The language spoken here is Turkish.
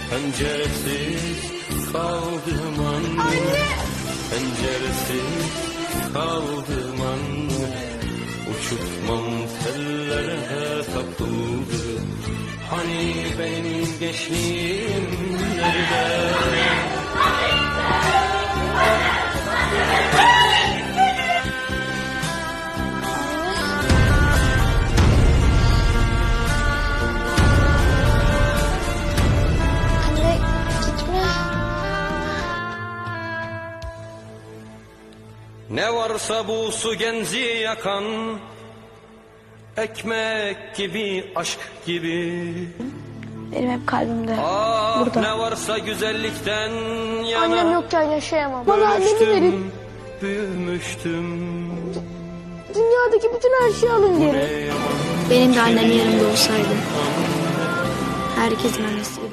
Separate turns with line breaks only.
Penceresiz kaldım anne, penceresiz kaldım anne. Uçurtmam tellere takıldı, hani benim gençliğim nerede? Ne varsa bu su genci yakan, ekmek gibi, aşk gibi.
Benim hep kalbimde.
Ah,
burada.
Ne varsa güzellikten yana.
Annem yokken yaşayamam. Bana annemi verin.
Büyümüştüm.
Dünyadaki bütün her şeyi alın geri.
Benim de annem yanımda olsaydı. Herkesin annesi.